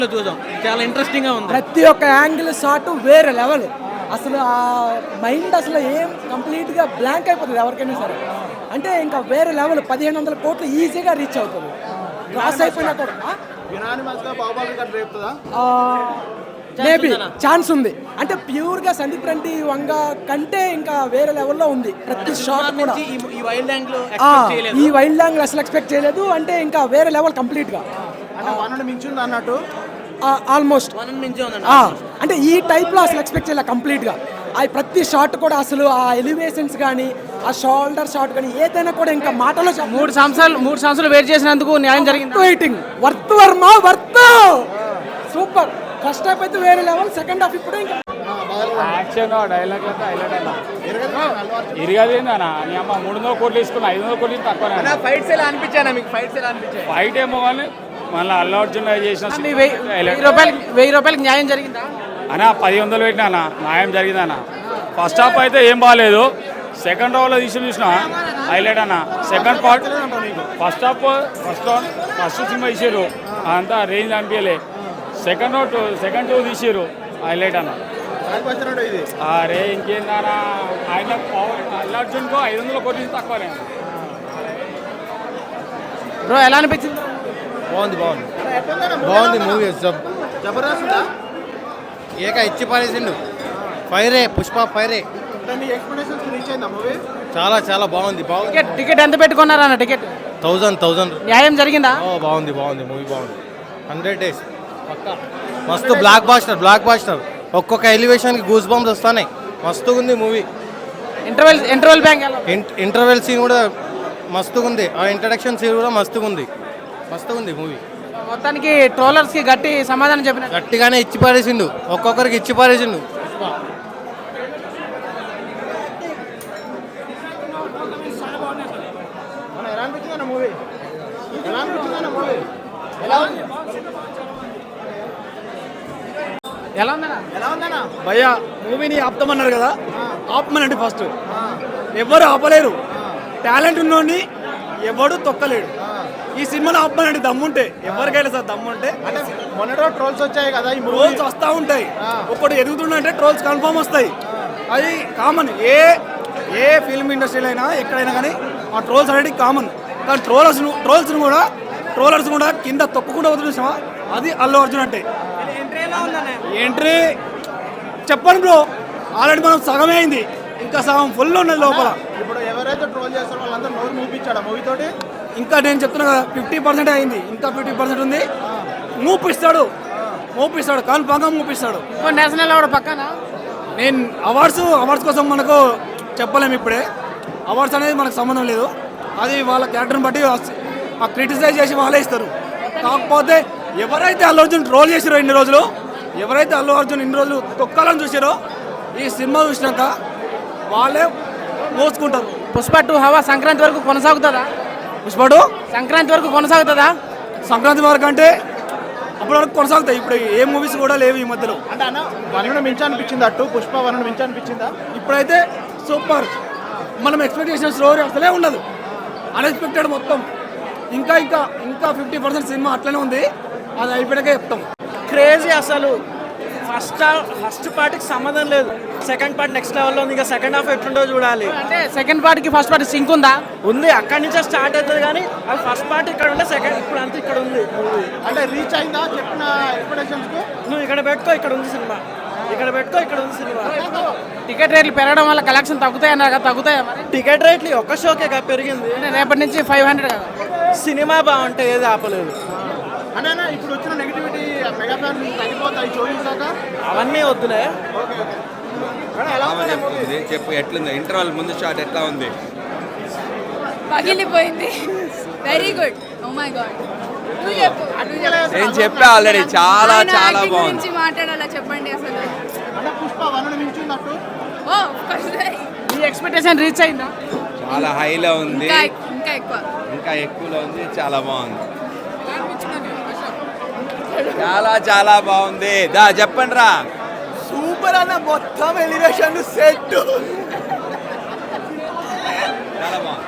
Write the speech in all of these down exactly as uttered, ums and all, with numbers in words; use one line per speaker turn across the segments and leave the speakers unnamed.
చూద్దాం, చాలా ఇంట్రెస్టింగ్ గా ఉంది.
ప్రతి ఒక్క యాంగిల్ షాట్ వేరే లెవెల్. అసలు ఆ మైండ్ అసలు ఏం కంప్లీట్ గా బ్లాంక్ అయిపోతుంది ఎవరికైనా సరే. అంటే ఇంకా వేరే లెవెల్. పదిహేను వందల కోట్లు ఈజీగా రీచ్ అవుతుంది. క్రాస్ అయిపోయినా కూడా మేబీ ఛాన్స్ ఉంది. అంటే ప్యూర్ గా సందీప్ రెడ్డి వంగ కంటే ఇంకా వేరే లెవెల్లో ఉంది ప్రతి షాట్ కూడా.
ఈ వైల్డ్ యాంగిల్
ఈ వైల్డ్ యాంగిల్ అసలు ఎక్స్పెక్ట్ చేయలేదు. అంటే ఇంకా వేరే లెవెల్ కంప్లీట్ గా
అన్నట్టు
ఆల్మోస్ట్. అంటే ఈ టైప్ లో అసలు ఎక్స్పెక్ట్ చేయలేదు కంప్లీట్ గా. ఆ ప్రతి షాట్ కూడా అసలు ఆ ఎలివేషన్స్ కానీ ఆ షోల్డర్ షాట్ కానీ ఏదైనా కూడా ఇంకా మాటలో
మూడు సంవత్సరాలు మూడు సంవత్సరాలు వెయిట్ చేసినందుకు న్యాయం జరిగింది.
వెయిటింగ్ వర్త్ వర్మ వర్త్ సూపర్. ఫస్ట్ హాఫ్ అయితే వేరే లెవెల్, సెకండ్ హాఫ్ ఇప్పుడు ఇంకా
యాక్షన్ డైలాగ్ అయితే హైలైట్ అయినా ఇరగది అన్న. నీ అమ్మ మూడు వందల కోట్లు తీసుకున్నా, ఐదు వందల కోట్లు తక్కువ.
ఫైట్స్ ఎలా అనిపించాను మీకు? ఫైట్స్ ఎలా అనిపించాయి?
ఫైట్ ఏమో కానీ మళ్ళీ అల్లు అర్జున్ చేసిన
వెయ్యి రూపాయలకి వెయ్యి రూపాయలకి న్యాయం జరిగిందా
అన్న? పది వందలు పెట్టినా అన్న, న్యాయం జరిగిందన్న. ఫస్ట్ హాఫ్ అయితే ఏం బాగాలేదు. సెకండ్ హాఫ్లో తీసి చూసిన హైలైట్ అన్న. Second part first half first first సినిమా తీసారు అంతా రేంజ్ అనిపించలే. సెకండ్ హాఫ్ సెకండ్ టూ తీసారు హైలైట్ అన్న. అరే ఇంకేందన్నా, ఆయన అల్లు అర్జున్కు ఐదు వందల కోట్లు తక్కువనే.
బ్రో ఎలా అనిపించింది?
బాగుంది బాగుంది బాగుంది మూవీ. జబర్దస్త్ ఏక ఇచ్చి పారేసిండు. ఫైరే పుష్ప ఫైరే. చాలా చాలా బాగుంది బాగుంది.
టికెట్ ఎంత పెట్టుకున్నారా అన్న? Ticket
thousand thousand.
న్యాయం జరిగిందా?
బాగుంది బాగుంది మూవీ బాగుంది. హండ్రెడ్ డేస్ పక్కా మస్తు. Blockbuster blockbuster. ఒక్కొక్క ఎలివేషన్కి గూస్ బంప్స్ వస్తాయి. మస్తుగా ఉంది movie.
Interval interval bank
interval scene కూడా మస్తుగా ఉంది. ఆ ఇంట్రడక్షన్ సీన్ కూడా మస్తుగా ఉంది. మస్తుగా ఉంది మూవీ.
మొత్తానికి ట్రోలర్స్ కి గట్టి సమాధానం చెప్పిన
గట్టిగానే ఇచ్చి పారేసిండు. ఒక్కొక్కరికి ఇచ్చి పారేసిండు.
ఎలా ఉందన్నా?
భయ్యా మూవీని ఆపుతామన్నారు కదా, ఆపమనండి. ఫస్ట్ ఎవరు ఆపలేరు. టాలెంట్ ఉన్నోడిని ఎవడు తొక్కలేడు. ఈ సినిమాలో ఆపమనండి దమ్ముంటే. ఎవరికైనా సార్ దమ్ముంటే.
మొన్నటో ట్రోల్స్ వచ్చాయి కదా, ఈ
ట్రోల్స్ వస్తూ ఉంటాయి. ఒకటి ఎదుగుతుందంటే ట్రోల్స్ కన్ఫర్మ్ వస్తాయి. అది కామన్. ఏ ఏ ఫిల్మ్ ఇండస్ట్రీలో అయినా ఎక్కడైనా కానీ ఆ ట్రోల్స్ అనేది కామన్. కానీ ట్రోలర్స్ ట్రోల్స్ని కూడా ట్రోలర్స్ కూడా కింద తొక్కకుండా వదిలేసామా, అది అల్లు అర్జున్ అంటే. ఎంట్రీ చెప్పండి బ్రో, ఆల్రెడీ మనం సగమే అయింది, ఇంకా సగం ఫుల్ ఉన్నది లోపల.
ఇప్పుడు ఎవరైతే ట్రోల్ చేస్తారో వాళ్ళందరూ నోరు మూపించాడు మూవీ తోటి.
ఇంకా నేను చెప్తున్నా కదా, ఫిఫ్టీ పర్సెంట్ అయింది, ఇంకా ఫిఫ్టీ పర్సెంట్ ఉంది. మూపిస్తాడు మూపిస్తాడు కన్ఫామ్గా మూపిస్తాడు.
నేషనల్ అవార్డు పక్కన.
నేను అవార్డ్స్ అవార్డ్స్ కోసం మనకు చెప్పలేము ఇప్పుడే. అవార్డ్స్ అనేది మనకు సంబంధం లేదు. అది వాళ్ళ క్యారెక్టర్ని బట్టి ఆ క్రిటిసైజ్ చేసి వాళ్ళే ఇస్తారు. కాకపోతే ఎవరైతే అల్లు అర్జున్ ట్రోల్ చేసారో ఇన్ని రోజులు, ఎవరైతే అల్లు అర్జున్ ఇన్ని రోజులు తొక్కాలని చూసారో, ఈ సినిమా చూసినాక వాళ్ళే మోసుకుంటారు.
పుష్ప టూ హవా సంక్రాంతి వరకు కొనసాగుతుందా?
పుష్ప టూ
సంక్రాంతి వరకు కొనసాగుతుందా?
సంక్రాంతి వరకు అంటే అప్పటి వరకు కొనసాగుతాయి. ఇప్పుడు ఏ మూవీస్ కూడా లేవు ఈ మధ్యలో.
అంటే అన్న వన్ మించి అనిపించింది అటు పుష్ప వన్ మించి అనిపించిందా?
ఇప్పుడైతే సూపర్. మనం ఎక్స్పెక్ట్ చేసిన స్టోరీ అసలే ఉండదు, అన్ఎక్స్పెక్టెడ్ మొత్తం. ఇంకా ఇంకా ఇంకా ఫిఫ్టీ పర్సెంట్ సినిమా అట్లనే ఉంది. అది అయిపోయాకే చెప్తాం.
క్రేజీ అసలు. ఫస్ట్ ఫస్ట్ పార్ట్కి సంబంధం లేదు, సెకండ్ పార్ట్ నెక్స్ట్ లెవెల్లో ఉంది. ఇంకా సెకండ్ హాఫ్ ఎట్లుండో చూడాలి. అంటే సెకండ్ పార్ట్కి ఫస్ట్ పార్ట్ సింక్ ఉందా? ఉంది, అక్కడి నుంచే స్టార్ట్ అవుతుంది. కానీ అది ఫస్ట్ పార్ట్ ఇక్కడ ఉంటే సెకండ్ ఇప్పుడు అంతా ఇక్కడ ఉంది.
అంటే రీచ్ అయిందా చెప్పిన ఎక్స్పెక్టేషన్స్?
నువ్వు ఇక్కడ పెట్టుకో, ఇక్కడ ఉంది సినిమా. ఇక్కడ పెట్టుకో, ఇక్కడ ఉంది సినిమా. టికెట్ రేట్లు పెరగడం వల్ల కలెక్షన్ తగ్గుతాయి అన్నారు కదా, తగ్గుతాయా మరి? టికెట్ రేట్లు ఒక్క షోకే కదా పెరిగింది. రేపటి నుంచి ఫైవ్ హండ్రెడ్ కదా. సినిమా బాగుంటే ఏది ఆపలేదు.
అంటే ఇప్పుడు వచ్చిన నెగిటివిటీ మెగా ఫ్యాన్ తగ్గిపోతాయి షో చూసాక.
అవన్నీ వద్దులే.
చెప్పు ఎట్లుంది? ఇంటర్వల్ ముందు షాట్ ఎట్లా ఉంది?
పగిలిపోయింది. Very good. Oh my God.
నేను చెప్పా ఆల్రెడీ, చాలా చాలా బాగుంది.
మాట్లాడాలా చెప్పండి అసలు.
పుష్ప వన్ మించున్నట్టు.
ఓ
ఈ ఎక్స్పెక్టేషన్ రీచ్ అయిందా?
చాలా హైలో ఉంది,
ఇంకా ఎక్కువ
ఇంకా ఎక్కువలో ఉంది. చాలా బాగుంది, చాలా చాలా బాగుంది. దా చెప్పండి రా.
సూపర్ అన్న. మొత్తం ఎలివేషన్ సెట్
చాలా బాగుంది.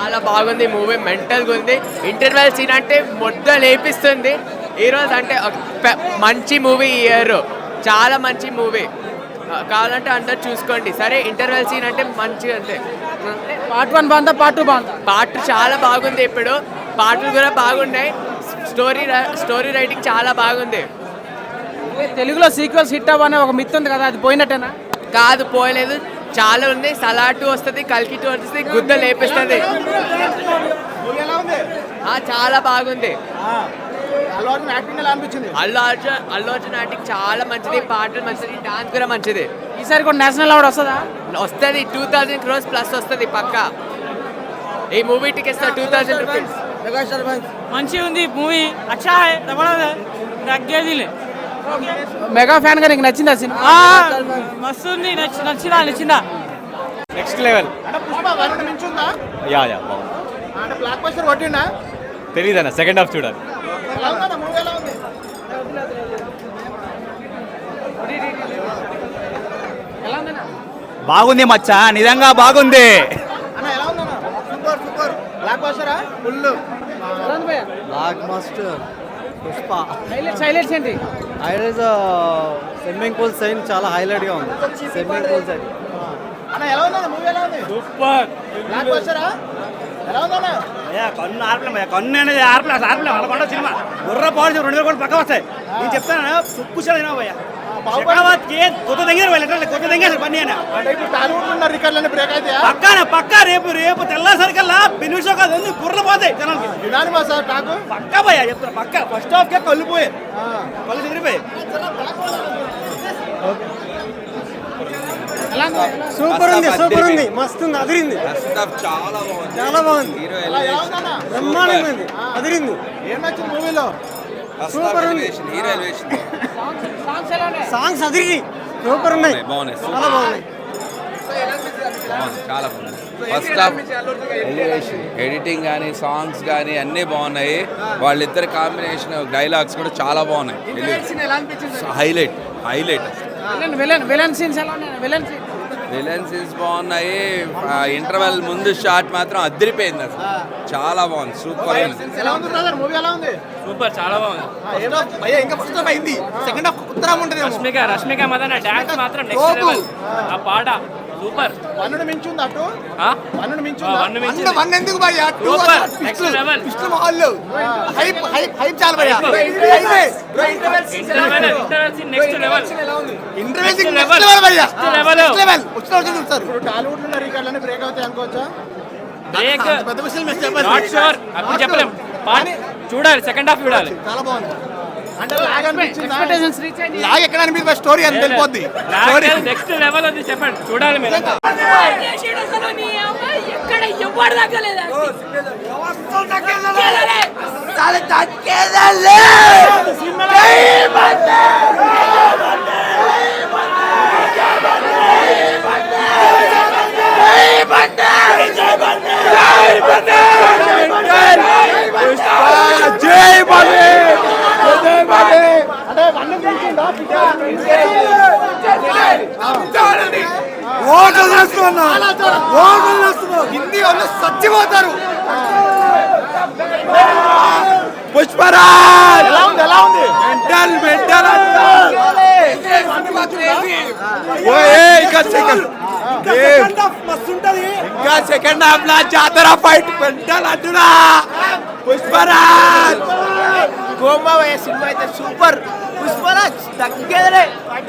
చాలా బాగుంది మూవీ, మెంటల్గా ఉంది. ఇంటర్వెల్ సీన్ అంటే మొద్ద లేపిస్తుంది. ఈరోజు అంటే ఒక పె- మంచి మూవీ ఇయర్, చాలా మంచి మూవీ. కావాలంటే అందరు చూసుకోండి. సరే ఇంటర్వెల్ సీన్ అంటే మంచిగా అంతే.
పార్ట్ వన్ బాగుందా పార్ట్ టూ బాగుందా?
పార్ట్ చాలా బాగుంది, ఇప్పుడు పాటలు కూడా బాగున్నాయి. స్టోరీ స్టోరీ రైటింగ్ చాలా బాగుంది.
తెలుగులో సీక్వెల్స్ హిట్ అవ్వనే ఒక మిత్ ఉంది కదా, అది పోయినట్టేనా?
కాదు, పోయలేదు, చాలా ఉంది. సలార్ టూ వస్తుంది, కల్కి టూ వస్తుంది, గుద్ద లేపిస్తుంది. ఆ, చాలా బాగుంది.
అల్లు అర్జున్ యాక్టింగ్ ఎలా అనిపించింది?
అల్లు అర్జున్ అల్లు అర్జున్ యాక్టింగ్ చాలా మంచిది, పాటలు మంచిది, డాన్స్ కూడా మంచిది.
ఈసారి కూడా నేషనల్ అవార్డు వస్తుందా?
వస్తుంది, టూ థౌజండ్ క్రోర్స్ ప్లస్ వస్తుంది పక్కా. ఈ movie tickets two thousand rupees.
మంచిగా ఉంది మూవీ, అచ్చా తగ్గేది మెగా ఫ్యాన్ గా నీకు నచ్చిందా సినిమా? మస్తు ఉంది, నచ్చి నచ్చిందా నచ్చిందా
నెక్స్ట్ లెవెల్.
అంటే పుష్ప వన్ మించుందా?
యా యా బాగుంది.
అంటే బ్లాక్ బస్టర్ కొట్టిండా?
తెలీదన్న, సెకండ్ హాఫ్ చూడాలి.
ఎలా ఉందన్న మూవీ, ఎలా ఉంది?
బాగుంది మచ్చా, నిజంగా బాగుంది.
అన్న ఎలా ఉందన్న? Super super. బ్లాక్ బస్టరా? Full.
Blockbuster Pushpa
highlights highlights ఏంటి?
హైలైట్స్ స్విమ్మింగ్ పూల్ సైన్ చాలా హైలైట్గా ఉంది. స్విమ్మింగ్ పూల్ సైన్
అన్న ఎలా ఉందన్న మూవీ, ఎలా ఉంది?
సూపర్.
బ్లాక్ బస్టరా? ఎలా ఉందన్న?
కన్ను ఆర్పలే, కన్ను అనేది ఆర్పలే, అసలు ఆర్పలే. వాళ్ళ సినిమా బుర్ర పాడు రెండు వేల కోట్లు పక్క వస్తాయి. నేను చెప్తాను, సుక్కు చదివినా భయ్యా కొత్త దగ్గర కొత్త దగ్గర పని అయినా
అంటే ఇప్పుడు టాలీవుడ్ ఉన్న రికార్డులన్నీ బ్రేక్ అయితే
పక్కన పక్క రేపు రేపు తెల్లసరికల్లా బెనిఫిట్స్ కాదు, అన్ని బుర్ర పోతాయి జనాలకి.
విధానం మా సార్ నాకు
పక్క భయ్యా చెప్తాను, పక్క ఫస్ట్ హాఫ్ కే కళ్ళు పోయాయి, కళ్ళు చెదిరిపోయాయి.
సూపర్ ఉంది, సూపర్ ఉంది, మస్తు ఉంది, అదిరింది,
చాలా బాగుంది,
చాలా బాగుంది,
హీరో
ఎలా ఉందన్న?
బ్రహ్మాండంగా ఉంది, అదిరింది,
ఏం నచ్చింది మూవీలో?
సూపర్ ఉంది.
హీరో ఎలివేషన్
సాంగ్స్ అదిరి సూపర్ ఉన్నాయి,
బాగున్నాయి,
చాలా బాగున్నాయి.
బాగుంది, చాలా బాగుంది. ఫస్ట్ హాఫ్ ఎలివేషన్, ఎడిటింగ్ కానీ సాంగ్స్ కానీ అన్నీ బాగున్నాయి. వాళ్ళిద్దరి కాంబినేషన్ డైలాగ్స్ కూడా చాలా బాగున్నాయి. Highlight highlight
villain villain villain scenes ఎలా ఉన్నాయి? విలన్ సీన్
విలన్ సీన్స్ బాగున్నాయి. ఇంటర్వెల్ ముందు షాట్ మాత్రం అదిరిపోయింది, అసలు చాలా బాగుంది, సూపర్ ఉంది.
ఎలా ఉంది బ్రదర్ మూవీ, ఎలా ఉంది?
సూపర్, చాలా బాగుంది.
ఇంకా ఫస్ట్ హాఫ్ అయింది, సెకండ్ హాఫ్ ఉత్తరం ఉంటుంది.
రష్మిక రష్మిక మదన డాన్స్ మాత్రం నెక్స్ట్ లెవెల్. ఆ పాట సూపర్.
వన్నుడు మించుంది అటు,
ఆ
వన్నుడు
ఆ,
మించుందా?
వన్ మించింది.
వన్ ఎందుకు భయ్యా? Two
super, next level.
Hype hype hype చాలు భయ్యా.
Interval interval scene next level.
Interval
Next
next
level.
Level భయ్యా,
Next level.
Next level. వచ్చిన రోజు చూస్తారు. ఇప్పుడు టాలీవుడ్ లో రికార్డులన్నీ బ్రేక్ అవుతాయి అనుకోవచ్చా?
బ్రేక్
పెద్ద విషయం మిస్ చెప్పాలి.
నాట్ షూర్, అప్పుడు చెప్పలేం. పాట చూడాలి, సెకండ్ హాఫ్ చూడాలి.
చాలా బాగుంది. అంటే లాగ్ అనిపించిందా?
ఎక్స్పెక్టేషన్స్ రీచ్ అయ్యింది.
లాగ్ ఎక్కడ అనిపించింది? స్టోరీ అని తెలిపోద్ది.
నెక్స్ట్ లెవెల్ అది చెప్పండి, చూడాలి మీరు.
ఎక్కడ ఎవరు తగ్గలేదు
అంటే వన్ మించిందా? హిందీ వాళ్ళు చచ్చిపోతారు.
పుష్పరాజ్
ఎలా ఉంది, ఎలా ఉంది?
మెంటల్ మెంటల్ ఇంకా సెకండ్ హాఫ్ లా జాతర ఫైట్ మెంటల్ అంటున్నా. పుష్పరాజ్
గోమా సినిమా అయితే సూపర్. పుష్పరాజ్ తగ్గేదలే.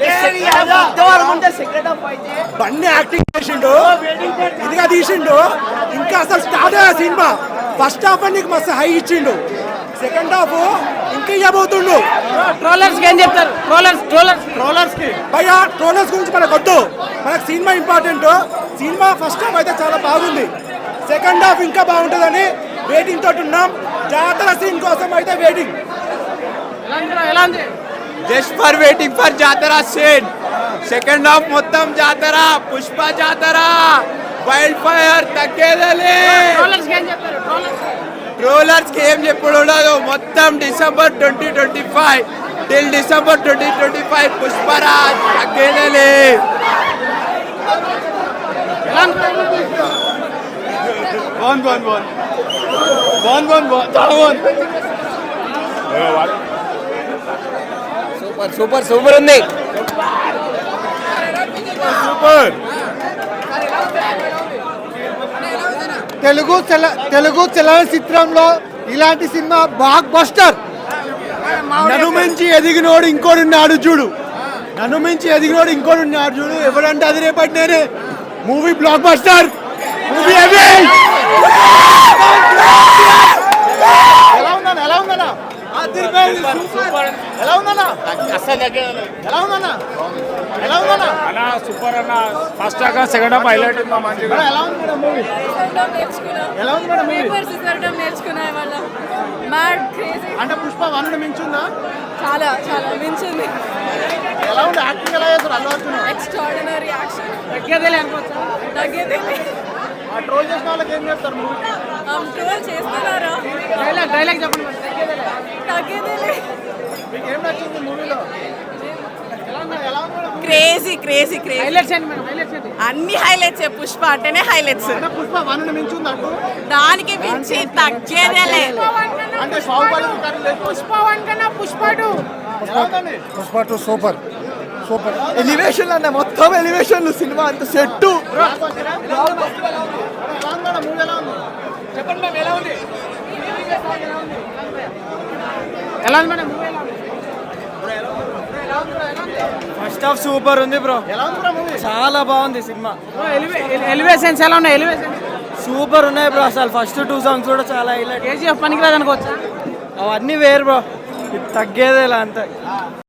బండి యాక్టింగ్ చేసిండు, ఇదిగా తీసిండు, ఇంకా అసలు స్టార్ట్ అయ్యా సినిమా. ఫస్ట్ హాఫ్ నీకు మస్తు హై ఇచ్చిండు, సెకండ్ హాఫ్ ఇంకా ఇవ్వబోతుండు.
ట్రోలర్స్ కి ఏం చెప్తారు? ట్రోలర్స్ ట్రోలర్స్
ట్రోలర్స్ కి
భయ్యా ట్రోలర్స్ గురించి మనకు వద్దు, మనకు సినిమా ఇంపార్టెంట్. సినిమా ఫస్ట్ హాఫ్ అయితే చాలా బాగుంది, సెకండ్ హాఫ్ ఇంకా బాగుంటుందని వెయిటింగ్ తోటి ఉన్నాం. జాతర సీన్ కోసం అయితే వెయిటింగ్.
ఎలా ఉంది?
జస్ట్ ఫర్ వెయిటింగ్ ఫర్ జాతర సీన్. సెకండ్ హాఫ్ మొత్తం జాతర, పుష్ప జాతర, వైల్డ్ ఫైర్ తగ్గేదలే.
ట్రోలర్స్ కి ఏం చెప్తారు? ట్రోలర్స్
ట్రోలర్స్ కి ఏం చెప్పుడు ఉండదు. మొత్తం December twenty twenty five till December twenty twenty five Pushparaj తగ్గేదలే.
ఎలా ఉంది?
బాగుంది బాగుంది బాగుంది బాగుంది బాగుంది బాగుంది చాలా బాగుంది.
సూపర్ సూపర్ సూపర్ ఉంది.
సూపర్.
తెలుగు చల తెలుగు చలనచిత్రంలో ఇలాంటి సినిమా బ్లాక్ బస్టర్.
నన్ను మించి ఎదిగినోడు ఇంకోడు ఉన్నాడు చూడు, నన్ను మించి ఎదిగినోడు ఇంకోడు ఉన్నాడు చూడు, ఎవరంటే అది రేపటి నేనే. మూవీ బ్లాక్ బస్టర్, మూవీ ఎలా ఉందన్నా ఎలా ఉందన్నా ఎలా ఉందన్నా ఎలా ఉందన్నా ఎలా ఉందన్నా
అన్న సూపర్ అన్న. First half second half highlight ఉంది మంచిగా.
ఎలా ఉంది మేడం మూవీ ఎలా ఉంది మేడం మూవీ
నేర్చుకున్నా వాళ్ళ మ్యాడ్ క్రేజీ
అంటే పుష్ప వన్ మించుందా?
చాలా చాలా మించింది.
ఎలా ఉంది యాక్టింగ్ ఎలా చేస్తారు అల్లు అర్జున్?
ఎక్స్ట్రాడినరీ యాక్షన్
తగ్గేదేలే అనుకోవచ్చా?
తగ్గేది
ఆ ట్రోల్ చేసిన వాళ్ళకి ఏం చెప్తారు మూవీ?
ట్రోల్ చేస్తున్నారా?
డైలాగ్ డైలాగ్ చెప్పండి మరి.
తగ్గేది
మీకు ఏం నచ్చింది మూవీలో? ఎలా ఉంది ఎలా ఉంది madam?
Crazy crazy crazy
highlights ఏంటి మేడం? హైలైట్స్ ఏంటి?
అన్ని హైలైట్స్ పుష్ప అంటేనే హైలైట్స్.
అంటే పుష్ప వన్ మించుంది అటు
దానికి మించి తగ్గేదే లేదు.
అంటే బాహుబలి రికార్డు లేదు.
పుష్ప వన్ కన్నా పుష్ప టూ.
ఎలా ఉందండి?
Pushpa two super super.
Elevation అన్న మొత్తం ఎలివేషన్ సినిమా అంత సెట్. ఎలా ఉంది మేడం మూవీ ఎలా ఉంది?
చెప్పండి మ్యామ్ ఎలా ఉంది? ఎలా ఉంది మేడం మూవీ ఎలా ఉంది?
ఫస్ట్ హాఫ్ సూపర్ ఉంది బ్రో. ఎలా ఉంది బ్రో మూవీ? చాలా బాగుంది సినిమా.
ఎలివేషన్స్ ఎలా ఉన్నాయి? ఎలివేషన్
సూపర్ ఉన్నాయి బ్రో. అసలు ఫస్ట్ టూ సాంగ్స్ కూడా చాలా హైలైట్.
కేజీఎఫ్ పనికిరాదు అనుకోవచ్చా?
అవన్నీ వేరు బ్రో, ఇది తగ్గేదేలా అంతే.